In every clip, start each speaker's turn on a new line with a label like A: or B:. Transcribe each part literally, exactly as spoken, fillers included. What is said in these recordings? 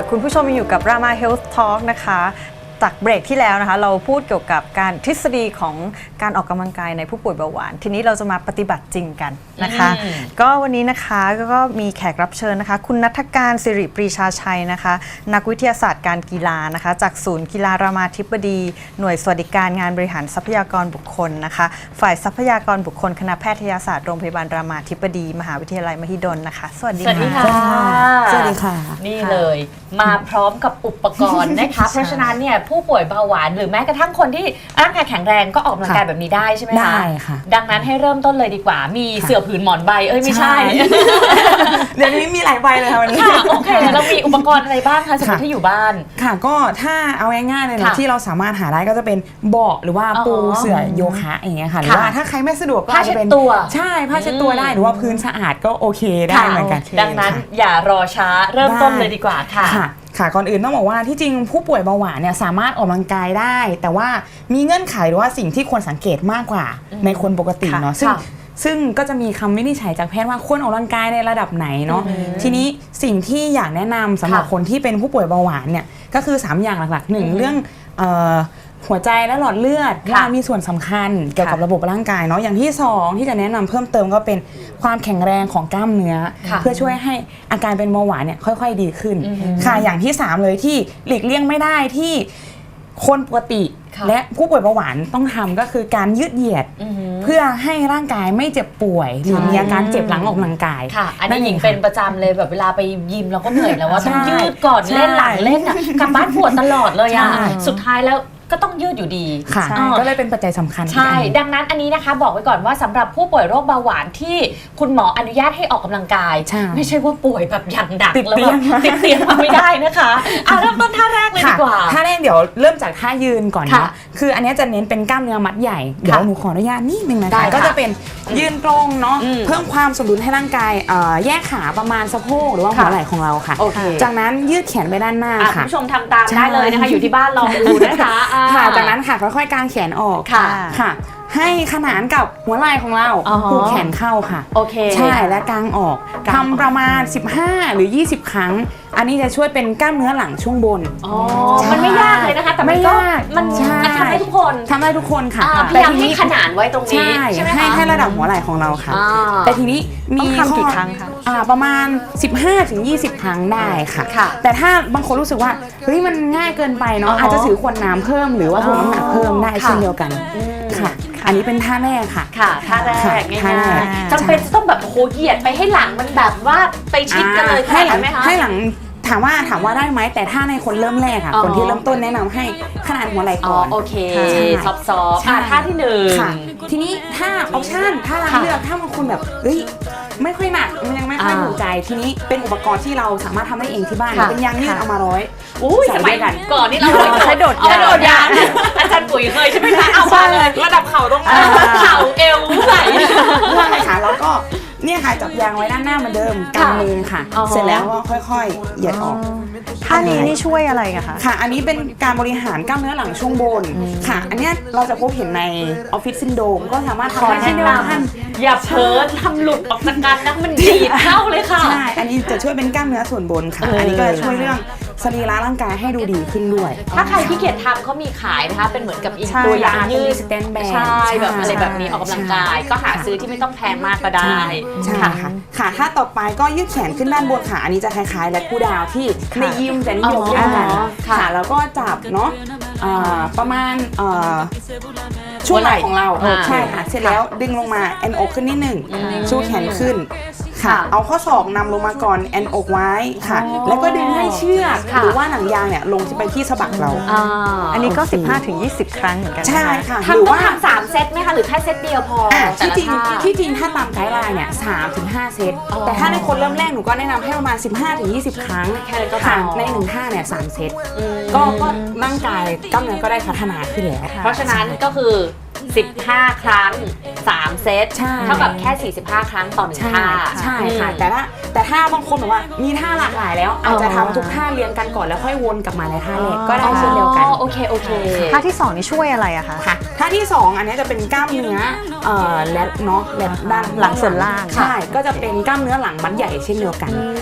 A: คุณผู้ชมอยู่กับ Rama Health Talk นะคะจากเบรกที่แล้วนะคะเราพูดเกี่ยวกับการทฤษฎีของการออกกำลังกายในผู้ป่วยเบาหวานทีนี้เราจะมาปฏิบัติจริงกันนะคะก็วันนี้นะคะก็มีแขกรับเชิญนะคะคุณณัฐการสิริปรีชาชัยนะคะนักวิทยาศาสตร์การกีฬานะคะจากศูนย์กีฬารามาธิบดีหน่วยสวัสดิการงานบริหารทรัพยากรบุคคลนะคะฝ่ายทรัพยากรบุคคลคณะแพทยศาสตร์โรงพยาบาลรามาธิบดีมหาวิทยาลัยมหิดลนะคะสวัสดีค่ะ
B: สวัสดีค่ะนี่เลยมาพร้อมกับอุปกรณ์นะคะเพราะฉะนั้นเนี่ยผู้ป่วยเบาหวานหรือแม้กระทั่งคนที่ร่างกายแข็งแรงก็ออกกำลังกายแบบนี้ได้ใช่ไหมคะ
C: ได้ค่ะ
B: ดังนั้นให้เริ่มต้นเลยดีกว่ามีเสื่อผืนหมอนใบเอ้ยไม่ใช่
C: เดี๋ยวนี้มีหลายใบเลยค่ะวันนี้
B: ค่ะโอเคแล้วมีอุปกรณ์อะไรบ้างคะสมมติที่อยู่บ้าน
C: ค่ะก็ถ้าเอาง่ายๆเลยนะที่เราสามารถหาได้ก็จะเป็นเบาะหรือว่าปูเสื่อโยคะอย่างเงี้ยค่ะหรือว่าถ้าใครไม่สะดวกก็
B: จะเป็นตัว
C: ใช่ผ้าเช็ดตัวได้หรือว่าพื้นสะอาดก็โอเคได้เหมือนกัน
B: ดังนั้นอย่ารอช้าเริ่มต้นเลยดีกว่าค่ะ
C: ค่ะก่อนอื่นต้องบอกว่าที่จริงผู้ป่วยเบาหวานเนี่ยสามารถออกกำลังกายได้แต่ว่ามีเงื่อนไขหรือว่าสิ่งที่ควรสังเกตมากกว่าในคนปกติเนาะซึ่งซึ่งก็จะมีคำวินิจฉัยจากแพทย์ว่าควรออกกำลังกายในระดับไหนเนาะทีนี้สิ่งที่อยากแนะนำสำหรับคนที่เป็นผู้ป่วยเบาหวานเนี่ยก็คือสามอย่างหลักๆหนึ่งเรื่องหัวใจและหลอดเลือดว่ามีส่วนสำคัญเกี่ยวกับระบบร่างกายเนาะอย่างที่สองที่จะแนะนำเพิ่มเติมก็เป็นความแข็งแรงของกล้ามเนื้อเพื่อช่วยให้อาการเป็นเบาหวานเนี่ยค่อยๆดีขึ้นค่ะอย่างที่สามเลยที่หลีกเลี่ยงไม่ได้ที่คนปกติและผู้ป่วยเบาหวานต้องทำก็คือการยืดเหยียดเพื่อให้ร่างกายไม่เจ็บป่วยหรือมีอาการเจ็บหลังออกกำลังกาย
B: ค่ะอันนี้หญิงเป็นประจำเลยแบบเวลาไปยิมเราก็เหนื่อยแล้วว่าต้องยืดก่อนเล่นหลังเล่นอ่ะกลับบ้านปวดตลอดเลยอ่ะสุดท้ายแล้วก็ต้องยืดอยู่ดี
C: ค่ะก็เลยเป็นปัจจัยสำคัญ
B: ใช่ดังนั้นอันนี้นะคะบอกไว้ก่อนว่าสำหรับผู้ป่วยโรคเบาหวานที่คุณหมออนุญาตให้ออกกำลังกายไม่ใช่ว่าป่วยแบบอย่างหนักแล้วแบบติดเตียงมาไม่ได้นะคะอ่ะเริ่มต้นท่าแรกเลยดีกว่า
C: ท่าแรกเดี๋ยวเริ่มจากท่ายืนก่อนนะคืออันนี้จะเน้นเป็นกล้ามเนื้อมัดใหญ่เดี๋ยวหนูขออนุญาตนิดนึงนะคะก็จะเป็นยืนตรงเนาะเพิ่มความสมดุลให้ร่างกายแยกขาประมาณสะโพกหรือว่าหัวไหล่ของเราค่ะจากนั้นยืดแขนไปด้านหน้าค่ะ
B: ผู้ชมทำตามได้เลยนะคะอยู่ที่บ้านลองดูนะคะ
C: ค่ะจากนั้นค่ะค่อยๆกางแขนออกค่ะค่ะให้ขนานกับหัวไหล่ของเราผูกแขนเข้าค่ะ
B: โอเค
C: ใช่และกางออกทำประมาณสิบห้าหรือยี่สิบครั้งอันนี้จะช่วยเป็นกล้ามเนื้อหลังช่วงบน
B: อ๋อมันไม่ยากเลยนะคะแต่ไม่ยากมันทำได้ทุกคน
C: ทำได้ทุกคนค่ะ
B: พยายามให้ขนานไว้ตรงนี้ใช่ไหมคะ
C: ให้ให้ระดับหัวไหล่ของเราค่ะแต่ทีนี้มี
A: ทำกี่ครั้งคะ
C: ประมาณ สิบห้าถึงยี่สิบ ครั้งได้ค่ะแต่ถ้าบางคนรู้สึกว่าเฮ้ยมันง่ายเกินไปเนาะอาจจะถือขวดน้ำเพิ่มหรือว่าถ่วงน้ำหนักเพิ่มได้เช่นเดียวกันค่ะอันนี้เป็นท่าแรกค่ะ
B: ค่ะท่าแรกง่ายๆจำเป็นต้องแบบโหเหยียดไปให้หลังมันแบบว่าไปชิดกันเลย
C: ให้หลังให้หลังถามว่าถามว่าได้ไหมแต่ถ้าในคนเริ่มแรกค่ะคนที่เริ่มต้นแนะนำให้ขนาดหัวไหล่ก่อน
B: โอเคซอฟต์ๆท่าที่หนึ่ง
C: ทีนี้ถ้าออปชั่นถ้าเราเลือกถ้าบางคนแบบเฮ้ยไม่ค่อยหนักมันยังไม่ค่อยถูกใจทีนี้เป็นอุปกรณ์ที่เราสามารถทำได้เองที่บ้านเป็นยางยืดเอามาร้อย
B: อุ้ยสมัยก่อนนี่เรา
A: ใช้โดดยาง
B: โดดยางอาจารย์ปุ๋ยเคยใช่ไหมคะเอามาเลยระดับเข่าตรงเข่าเอวไหล่
C: เพื่อให้ขาแล้วก็เนี่ยค่ะจับยางไว้ด้านหน้าเหมือนเดิมกำมือค่ะเสร็จแล้วก็ค่อยๆเหยียดออก
A: ท่านี้นี่ช่วยอะไรกันคะ
C: ค่ะอันนี้เป็นการบริหารกล้ามเนื้อหลังช่วงบนค่ะอันนี้เราจะพบเห็นในออฟฟิศซินโดรมก็สามารถทำได้เช่นเดียวกัน
B: อย่าเพ้อทำหลุดออกจากกันนะมันดีดเข้าเลยค่ะ
C: ใช่อันนี้จะช่วยเป็นกล้ามเนื้อส่วนบนค่ะอันนี้ก็จะช่วยเรื่องสรีระร่างกายให้ดูดีขึ้นด้วย
B: ถ้าใครที่เกียจทำเขามีขายนะคะเป็นเหมือนกับอีกตัวยางยืด
C: สแตนแบน
B: ใช่แบบอะไรแบบนี้ออกกำลังกายก็หาซื้อที่ไม่ต้องแพงมากก็ได้
C: ค่ะค่ะถ้าต่อไปก็ยืดแขนขึ้นด้านบนค่ะอันนี้จะคล้ายๆและคู่ดาวที่ในยิมจะนิยมเล่นกันค่ะแล้วก็จับเนาะประมาณช่วงไหล่ของเราใช่ค่ะเสร็จแล้วดึงลงมาแอนอกขึ้นนิดหนึ่งชูแขนขึ้นค่ะเอาข้อศอกนำลงมาก่อนแอนอกไว้ค่ะแล้วก็ดึงให้เชือกหรือว่าหนังยางเนี่ยลงไปที่สะบักเรา
A: อันนี้ก็ สิบห้าถึงยี่สิบ ครั้งเหมือนกัน
C: ใช่ค่ะ
B: หรือว่าทำสามเซตไหมคะหรือแค่เซตเดียวพอ
C: ที่จริงที่จริงถ้าตามไกด์ไลน์เนี่ยสามถึงห้าเซตแต่ถ้าในคนเริ่มแรกหนูก็แนะนำให้ประมาณ สิบห้าถึงยี่สิบ ครั้งค่ะในหนึ่งท่าเนี่ยสามเซตก็ก็ร่างกายกล้ามเนื้อก็ได้พัฒนาขึ้นแล้ว
B: เพราะฉะนั้นก็คือสิบห้าครั้งสามเซตเท่ากับแค่สี่สิบห้าครั้งต่อหนึ่งท่า
C: ใช่ค่ะแต่ถ้าแต่ถ้าบางคนบอกว่ามีท่าหลากหลายแล้วอาจจะทำทุกท่าเรียงกันก่อนแล้วค่อยวนกลับมาในท่าแรกก็ได้เช่นเดียวกัน
B: โอเคโอเค
A: ท่าที่สองนี่ช่วยอะไรอะคะ
C: ท่าที่สองอันนี้จะเป็นกล้ามเนื้อเอ่อแลทเนาะแลทด้าน
A: หลังส่วนล่าง
C: ใช่ก็จะเป็นกล้ามเนื้อหลังมัดใหญ่เช่นเดียวกันค่ะ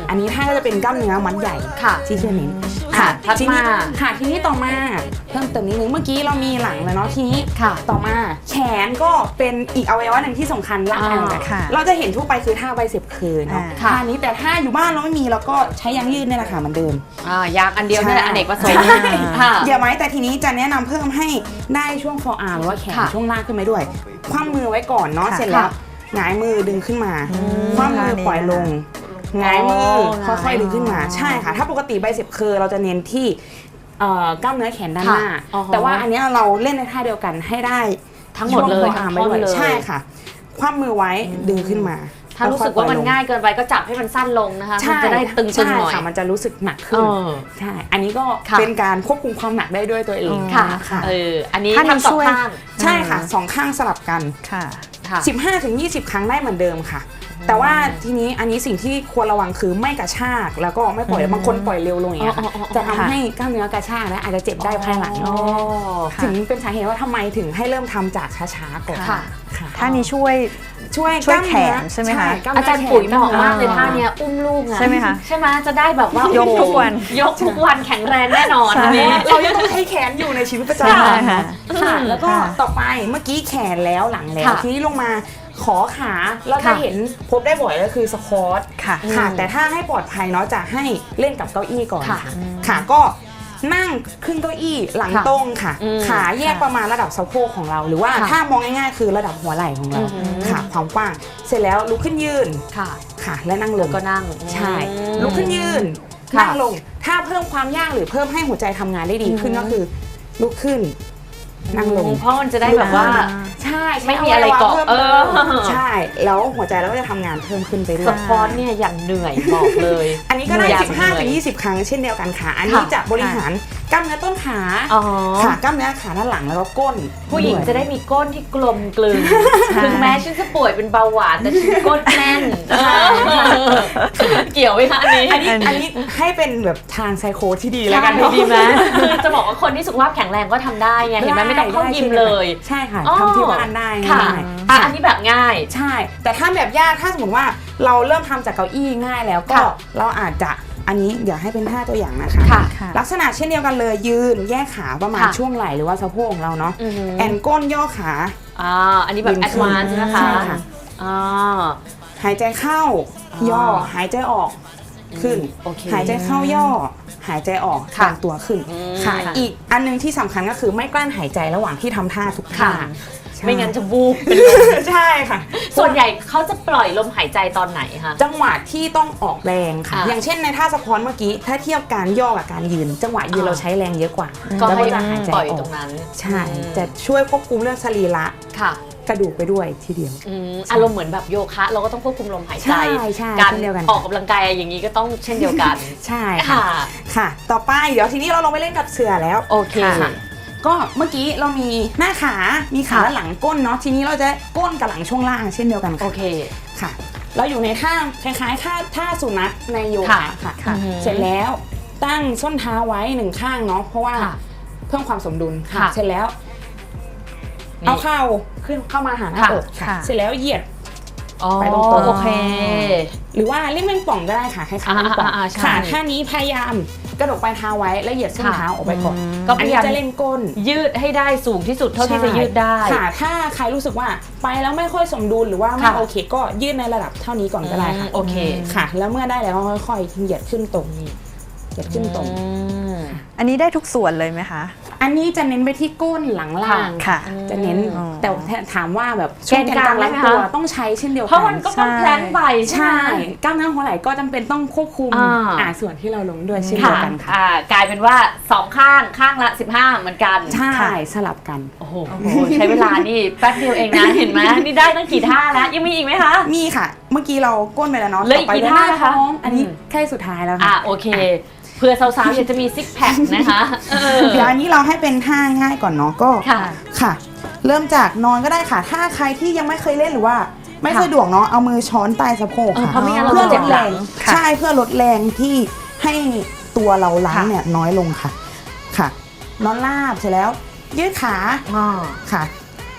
C: อันนี้ท่าก็จะเป็นกล้ามเนื้อมัดใหญ่
B: ค่ะ
C: ที่จะเน้น
B: ค่ะถัด
C: ทีนี้
B: มา
C: ค่ะทีนี้ต่อมาเพิ่มเติมนิดนึงเมื่อกี้เรามีหลังแล้วเนาะทีนี้
B: ค่ะ
C: ต่อมาแขนก็เป็นอีกอวัยวะหนึ่งที่สำคัญร่างกายเหมือนกัน
A: ค่ะ
C: เราจะเห็นทั่วไปคือท่าไบเซปเคิร์เนาะ
A: ค่ะ
C: ท่านี้แต่ถ้าอยู่บ้านเราไม่มีเราก็ใช้ยางยืดนี่แหละค่ะเหมือนเดิม
B: อ่ายางอันเดียวนี่แหละ
C: ใช่
B: อเนกประสงค์ค่ะ
C: อย่าไว้แต่ทีนี้จะแนะนำเพิ่มให้ได้ช่วง forearm หรือว่าแขน
B: ค่ะ
C: ช่วงล่างขึ้นมาด้วยคว่ำมือไว้ก่อนเนาะ
A: ค่ะ
C: เสร็จแล้วหงายมือดึงขึ้นมาคว่ำมือปล่อยลงหงายมือค่อยๆดึงขึ้นมาใช่ค่ะถ้าปกติไบเซปเคิร์เราจะเน้นที่เอ่อกล้ามเนื้อแขนด้านหน้า
B: ค่ะอ๋อ
C: แต่ว่าอันเนี้ยเราเล่นในท่าเดียวกันให้ได้
B: ทั้งหมดเลย
C: ช่ว forearm
B: ทั้ง
C: ไป
B: ท่อน
C: ด้วย
B: เลย
C: ใช่ค่ะคว่ำมือไว้ดึงขึ้นมา
B: ถ้ารู้สึกว่ามันง่ายเกินไปก็จับให้มันสั้นลงนะคะ
C: ใช่
B: มันจะได้ตึงๆ
C: ใช่
B: หน่อย
C: ค่ะมันจะรู้สึกหนัก
B: เอ
C: ขึ้น
B: อ
C: ใช่ อันนี้ก็
B: ค่ะ
C: เป็นการควบคุมความหนักได้ด้วยตัวเอง
B: ค่ะ
C: ค่ะ
B: เอออันนี้
A: ท่านี้
B: ทำสอ
A: ช่
B: ง
A: วย
B: ข้าง
C: ใช่ค่ะสองข้างสลับกัน
A: ค่ะ
B: ค่ะ
C: สิบห้าถึงยี่สิบ ครั้งได้เหมือนเดิมค่ะ แต่ว่าทีนี้อันนี้สิ่งที่ควรระวังคือไม่กระชากแล้วก็ไม่ปล่อยบางคนปล่อยเร็วลงอย่างเงี้ยค่ะ
B: อ๋ออ๋ออ๋อ
C: จะทำให้กล้ามเนื้อกระชากและอาจจะเจ็บได้ภายหลัง
B: อ๋อ
A: ค่ะ
C: ถึงเป็นสาเหตุว่าทำไมถึงให้เริ่มทำจากช้าๆก่อน
B: ค่ะ
C: ค่ะ
A: ท่านี้ช่วย
C: ช่วย
A: ช่วย
C: กล้ามเนื้อ
A: แขนใช่ไหมคะ
C: กล้ม
B: อา
C: เนื้
B: จารย์ปุ๋ยเหมาะมากเลย
A: อ่า
B: ท่าเนี้ยอุ้มลูกอะ
A: ใช่ไหมคะ
B: ใช่ไหมจะได้แบบว่าย
A: กทุกวัน
B: ยกทุกวันแข็งแรงแน่นอน
A: ใช่
B: อันนี้
C: เรายังต้องใช้แขนอยู่ในชีวิตประจำ
A: ใช่
C: วัน
A: ค่ะ
C: ค่ะแล้วก็
A: ค่ะ
C: ต่อไปเมื่อกี้แขนแล้วหลังแล้ว
B: ค่ะ
C: ทีนี้ลงมาขอขาเราจะ
B: ค่ะ
C: เห็นพบได้บ่อยก็คือสควอต
A: ค่ะ
C: ค่ะ
B: อืม
C: แต่ถ้าให้ปลอดภัยเนาะจะให้เล่นกับเก้าอี้ก่อน
B: ค่ะ
C: ค่ะค่ะก็นั่งขึ้นเก้าอี้หลัง
B: ค่ะ
C: ตรงค่ะ
B: อืม
C: ขาแยกประมาณระดับสะโพกของเรา หรือว่า
B: ค่ะ
C: ถ้ามองง่ายๆ คือระดับหัวไหล่ของเรา
B: อือหือ
C: ค่ะความกว้างเสร็จแล้วลุกขึ้นยืน
B: ค่ะ
C: ค่ะและนั่งลง
B: ก็นั่ง
C: ใช่
B: อืม
C: ลุกขึ้นยืน
B: ค่ะ
C: นั่งลง ถ้าเพิ่มความยากหรือเพิ่มให้หัวใจทำงานได้ดีขึ้น
B: อือหือ
C: ก็คือลุกขึ้น นั่งลง
B: เพราะมันจะได้แบบว่า
C: ใช่
B: ไม่มีอะไรเกาะ
C: พิ่ม
B: เออ
C: ใช่ แล้วหัวใจเราก็จะทำงานเพิ่มขึ้นไปด้ว
B: ส
C: ย
B: ปอร์ตเนี่ยอย่างเหนื่อยบอกเลย
C: อันนี้ก็ได้
B: อยาก
C: สิบห้าถึง
B: เหนื่อย
C: ยี่สิบ ครั้งเช่นเดียวกันค่ะ อันนี้
B: ค่ะ
C: จะบริหารกล้ามเนื้อต้นขา
B: อ๋อ
C: ค่ะกล้ามเนื้อขาด้านหลังแล้วก็ก้น
B: ผู้หญิง
C: วย
B: จะได้มีก้นที่กลมกลืนถึงแม้ฉันจะป่วยเป็นเบาหวานแต่ฉันก้นแน่นเออเกี่ยวไหมคะอันนี้
C: อันนี้อันนี้ให้เป็นแบบทางไซโคที่ดีแล้วกัน
B: ใช่
C: เนาะ
B: ดีไหมคือจะบอกว่าคนที่สุขภาพแข็งแรงก็ทำได้ไงเห็นไหมไม่ต้องเข้ายิมเลย
C: ใช่ค่ะ
B: อ๋อ
C: ทำที่บ้านได้
B: ค่ะ
C: ง่าย
B: อ่ะอันนี้แบบง่าย
C: ใช่ แต่ถ้าแบบยากถ้าสมมติว่าเราเริ่มทำจากเก้าอี้ง่ายแล้วก็
B: ค่ะ
C: เราอาจจะอันนี้เดี๋ยวให้เป็นท่าตัวอย่างนะคะ
B: ค่ะ
A: ค่ะ
C: ลักษณะเช่นเดียวกันเลยยืนแยกขาประมาณ
B: ค่ะ
C: ช่วงไหล่หรือว่าสะโพกของเราเนาะ
B: อือหือ
C: แอนก้นย่อขา
B: อ่าอันนี้แบบ
C: ยื
B: แอน ด
C: ขึ้น
B: วานซ์นะคะ
C: ใช่ค่ะ
B: อ่า
C: หายใจเข้า
B: อ๋อย่
C: ย่อหายใจออกขึ้น
B: โอเค
C: หายใจเข้าย่อ หายใจออก
B: ค่ะ
C: ดันตัวขึ้น
B: อืม
C: ค่ะอีกอันนึงที่สำคัญก็คือไม่กลั้นหายใจระหว่างที่ทำท่าทุกท่า
B: ค่ะ
C: ใช่
B: ไม่งั้นจะวูบเป็นลม
C: ใช่ค่ะ
B: ส่วนใหญ่เขาจะปล่อยลมหายใจตอนไหนคะ
C: จังหวะที่ต้องออกแรงค่ะ
B: อ่ะ
C: อย่างเช่นในท่าสควอตเมื่อกี้ ถ้าเทียบการย่อกับการยืน จังหวะยืน
B: อ่า
C: เราใช้แรงเยอะกว่า
B: ก็
C: แล้ว
B: ให้
C: ก็จะหายใจ
B: ปล่อย
C: ออ
B: ตร
C: ก
B: งนั้น
C: ใช่
B: อืม
C: จะช่วยควบคุมเรื่องสรีระ
B: ค่ะ
C: กระดูกไปด้วยทีเดียว
B: อืมอารมณ์เหมือนแบบโยคะ เราก็ต้องควบคุมลมหายใจ
C: ใช่ใช่
B: การ
C: เช่นเดียวกัน
B: ออกกำลังกายอย่างนี้ก็ต้องเช่นเดียวกัน
C: ใช่ค่ะ
B: ค่ะ
C: ค่ะ ต่อไปเดี๋ยวทีนี้เราลงไปเล่นกับเสือแล้ว
B: โอเค
C: ค่ะ ก็เมื่อกี้เรามีหน้าขา มีขา
B: ค่ะ
C: หลังก้นเนาะ ทีนี้เราจะก้นกับหลังช่วงล่างเช่นเดียวกัน
B: โอ
C: ค่ะ
B: เค
C: ค่ะ เราอยู่ในท่าคล้ายๆท่าท่าสุนัขในโย
B: ค่ะ
C: คะค่ะ
B: ค่ะ
C: เสร็จแล้วตั้งส้นเท้าไว้หนึ่งข้างเนาะ เพราะว่า
B: ค่ะ
C: เพิ่มความสมดุลค่ะ
B: ค่ะ
C: เสร็จแล้ว
B: นี่
C: เอาเข่าขึ้นเข้ามาหาหน้า
B: ค่ะ
C: อกค่ะ
A: ค่ะ
C: เสร็จแล้วเหยียด
B: อ๋อ
C: ไปตรงๆ
B: โอเค
C: หรือว่าเล่นแมงป่องก็ได้ค่ะคล้ายๆแมงป่อง
B: อ่าๆๆใช่
C: ค่ะท่านี้พยายามกระดกปลายเท้าไว้แล้วเหยียดส้น
B: ค่ะ
C: เท้าออกไปก่อน
B: ก็
C: อั
B: พ
C: น
B: ยา
C: นี้
B: ยาม
C: จะเล่นก้น
B: ยืดให้ได้สูงที่สุดเท่าที่จะยืดได้
C: ค่ะ ถ้าใครรู้สึกว่าไปแล้วไม่ค่อยสมดุลหรือว่าไม่
B: ค่ะ
C: โอเค ก็ยืดในระดับเท่านี้ก่อนก็ได้ค่ะ
B: อืมโอเค
C: ค่ะ แล้วเมื่อได้แล้วก็ค่อยๆเหยียดขึ้นตรงเหยียดขึ้นตรง
B: อืม
A: อันนี้ได้ทุกส่วนเลยไหมคะ
C: อันนี้จะเน้นไปที่ก้นหลังล่าง
A: ค่ะ
C: จะเน้น
A: อืม
C: แต่ถามว่าแบบ
B: แกนกลาง
C: ล้
B: ได้ไหม
C: ตัว
B: คะ
C: ต้องใช้เช่นเดียว
B: เพ
C: กั
B: ราะมันก็ต้องแพลนไปใช่
C: ใช่
B: ไหม
C: กล้ามเนื้อหัวไหล่ก็จำเป็นต้องควบคุม
B: อ่า
C: อ่าส่วนที่เราลงด้วยเช่นเดียวกันค่ะ
B: อ่ากลายเป็นว่าสองข้างข้างละสิบห้าเหมือนกัน
C: ใช่
A: ค่ะ
C: สลับกัน
B: โอ้โหใช้เวลานี่แป๊บเดียวเองนะ เห็นไหมนี่ได้ตั้งกี่ท่าแล้ว ยังมีอีกไหมคะ
C: มีค่ะ เมื่อกี้เราก้นไปแล้วเนาะ
B: เหลืออีก
C: ต่ไป
B: กี่ท่า
C: หน้
B: นะคะ
C: ท้องอันนี้
B: อืม
C: แค่สุดท้ายแล้ว
B: อ่ะ
C: ค่ะ
B: โอเคเผื่อสาวๆอยากจะมีซิกแพคนะคะเออ
C: เดี๋ยวอันนี้เราให้เป็นท่าง่ายก่อนเนาะก็
B: ค่ะ
C: ค่ะ เริ่มจากนอนก็ได้ค่ะ ถ้าใครที่ยังไม่เคยเล่นหรือว่าไม่
B: ค่ะ
C: สะดวกเนาะเอามือช้อนใต้สะโพก
B: เออ
C: ค่ะ
B: เพราะไม่งั้นเรา
C: เพื่อ
B: จะ
C: ล
B: เจ็
C: ด
B: บห
C: แร
B: ลัง
C: ง
A: ค่ะ
C: ใช่เพื่อลดแรงที่ให้ตัวเราล้างเนี่ยน้อยลงค่ะค่ะ นอนราบเสร็จแล้ว ยืดขา
B: อ๋อ
C: ค่ะ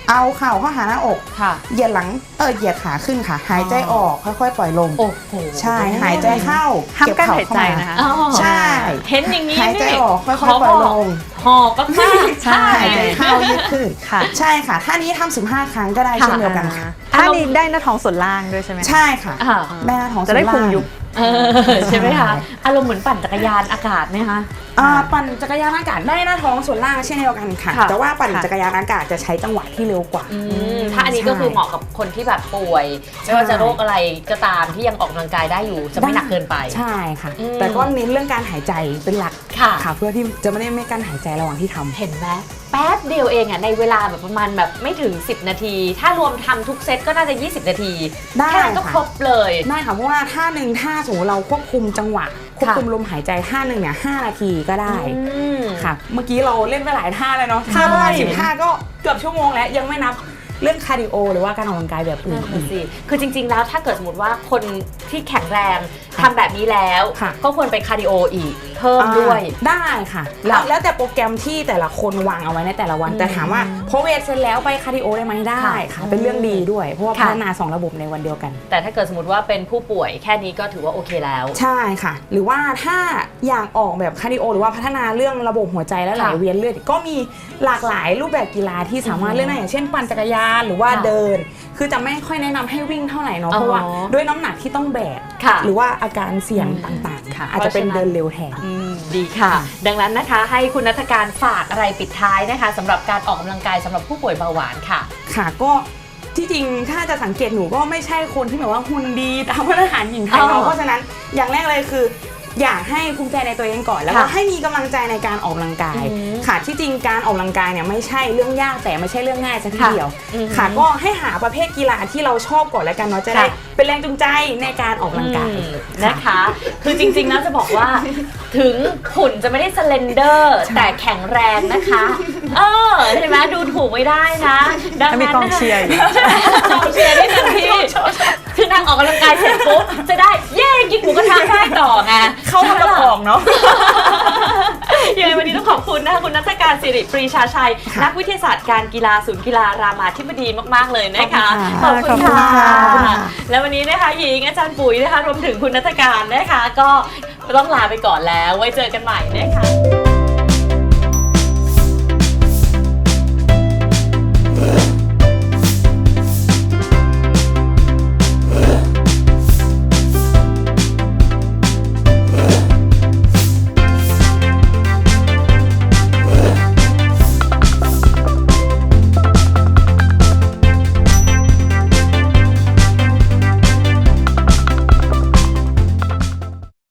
C: เอาเข่าเข้าหาหน้าอก
B: ค่ะ
C: เหยียดหลังเออเหยียดขาขึ้นค่ะ หายใจออกค่อยๆ ปล่อยลม
B: โอ้โห
C: ใช่หายใจเข้า
A: ห้าม
C: เก็บ
A: กั้น
C: เข่า
A: หาย
C: เข้า
A: ใจ
C: มา
A: นะคะ
B: อ๋อ
C: ใช่
B: เห็นอย่างนี้
C: หายใจ
B: นี่
C: ออกค่อยๆ
B: ขบ
C: ปล่อยลง
B: หอบมากๆ
A: ใช่
C: หายใจเข้ายืดขึ้น
A: ค่ะ
C: ใช่ค่ะท่านี้ทำสิบห้าครั้งก็ได้
B: ค่ะ
C: เช่นเดียวกันค่ะ
A: ถ้านี้ได้หน้าท้องส่วนล่างด้วยใช่ไหมคะ
C: ใช่ค่ะ
B: อ่า
C: แม่หน้าท้อง
A: จะได้
C: ส่วน
A: พุง
C: ล่าง
A: ยุบ
B: เออใช่ไหมคะ
C: ใช่
B: อารมณ์เหมือนปั่นจักรยานอากาศไหมคะ
C: อ่าปั่นจักรยานอากาศได้หน้าท้องส่วนล่างเช่นเดียวกันค่ะ
B: ค่ะ
C: แต่ว่าปั่น
A: ค่ะ
C: จักรยานอากาศจะใช้จังหวะที่เร็วกว่า
B: อืมถ้าอันนี้ก็คือเหมาะกับคนที่แบบป่วย
C: ใช่
B: ไม่ว่าจะโรคอะไรก็ตามที่ยังออกกำลังกายได้อยู่จะไม่หนักเกินไป
C: ใช่ค่ะ
B: อืม
C: แต่ก็เน้นเรื่องการหายใจเป็นหลัก
B: ค่ะ
C: ค่ะเพื่อที่จะไม่ได้ไม่กั้นหายใจระหว่างที่ทำ
B: เห็นไหมแป๊บเดียวเองอ่ะในเวลาแบบประมาณแบบไม่ถึงสิบนาที ถ้ารวมทำทุกเซตก็น่าจะยี่สิบนาที
C: ได้
B: แค่นั้นก็
C: ค่ะ
B: ครบเลย
C: ได้ค่ะเพราะว่าท่าหนึ่งท่าสมมติเราควบคุมจังหวะควบคุมลมหายใจท่าหนึ่งเนี่ยห้านาทีก็ได้
B: อืม
C: ค่ะ เมื่อกี้เราเล่นไปหลายท่าเลยเนาะ
B: ใช่
C: ท่าประมาณสิบท่าก็เกือบชั่วโมงแล้วยังไม่นับเรื่องคาร์ดิโอหรือว่าการออกกำลังกายแบบอื่น
B: นั่นสิคือจริงๆแล้วถ้าเกิดสมมติว่าคนที่แข็งแรงทำแบบนี้แล้ว
C: ค่ะ
B: ก็ควรไปคาร์ดิโออีกเพิ่มด้วย
C: อ่าได้ค่ะแล้วแล้วแต่โปรแกรมที่แต่ละคนวางเอาไว้ในแต่ละวัน
B: อืม
C: แต่ถามว่าพอเวทเสร็จแล้วไปคาร์ดิโอได้ไหมได้
B: ค่ะ
C: ค่ะ เป็นเรื่องดีด้วย เพราะว่า
B: ค่ะ
C: พัฒนาสองระบบในวันเดียวกัน
B: แต่ถ้าเกิดสมมติว่าเป็นผู้ป่วยแค่นี้ก็ถือว่าโอเคแล้ว
C: ใช่ค่ะ หรือว่าถ้าอยากออกแบบคาร์ดิโอหรือว่าพัฒนาเรื่องระบบหัวใจและไหล
B: ค่ะ
C: เวียนเลือดก็มีหลากหลายรูปแบบกีฬาที่สามารถเล่นได้อย่างเช่นปั่นจักรยานหรือว่า
B: ค่ะ
C: เดิน คือจะไม่ค่อยแนะนำให้วิ่งเท่าไหร่เนาะ
B: อ๋อ
C: เพราะว่าด้วยน้ำหนักที่ต้องแบก
B: ค่ะ
C: หรือว่าอาการเสี่ยงต่างๆค่ะอาจจะเป็นเดินเร็วแทน
B: อืมดีค่ะ ดังนั้นนะคะให้คุณนัฐการฝากอะไรปิดท้ายนะคะสำหรับการออกกำลังกายสำหรับผู้ป่วยเบาหวานค่ะ
C: ค่ะก็ที่จริงถ้าจะสังเกตหนูก็ไม่ใช่คนที่แบบว่าหุ่นดีตามมาตรฐานหญิงไทย
B: อ๋อ
C: เนาะเพราะฉะนั้นอย่างแรกเลยคือ อยากให้ภูมิใจในตัวเองก่อนแล้วก็
B: ค่ะ
C: ให้มีกำลังใจในการออกกำลังกาย
B: อืม
C: ค่ะที่จริงการออกกำลังกายเนี่ยไม่ใช่เรื่องยากแต่ไม่ใช่เรื่องง่ายสักที
B: ค่ะ
C: เดียว
B: อืม
C: ค่ะก็ให้หาประเภทกีฬาที่เราชอบก่อนแล้วกันเนาะจะได้
B: ค่ะ
C: เป็นแรงจูงใจในการออกกำลังกาย
B: อืมนะคะ คือจริงๆแล้วจะบอกว่าถึงหุ่นจะไม่ได้สเลนเดอร์แต่แข็งแรงนะคะ เออใช่ไหมดูถูกไม่ได้นะดัง
A: ถ้ามี
B: นั้น
A: กอง
B: นะคะ
A: เชียร์อยู่
B: กองเชียร์ได้เต็มที่คือนางออกกำลังกายเสร็จปุ๊บจะได้เย่กินหมูกระทะได้ต่อไง
C: เข้ามากับของเนาะ
B: ยังไงวันนี้ต้องขอบคุณนะคะคุณนัฐการศิริปรีชาชัย
C: ค่ะ
B: นักวิทยาศาสตร์การกีฬาศูนย์กีฬารามาธิบดีมากๆเลยนะคะ
C: ขอบคุณค่ะ
A: ขอบคุณค่ะ
B: และวันนี้นะคะหญิงอาจารย์ปุ๋ยนะคะรวมถึงคุณนัฐการนะคะ ก็ต้องลาไปก่อนแล้วไว้เจอกันใหม่นะคะ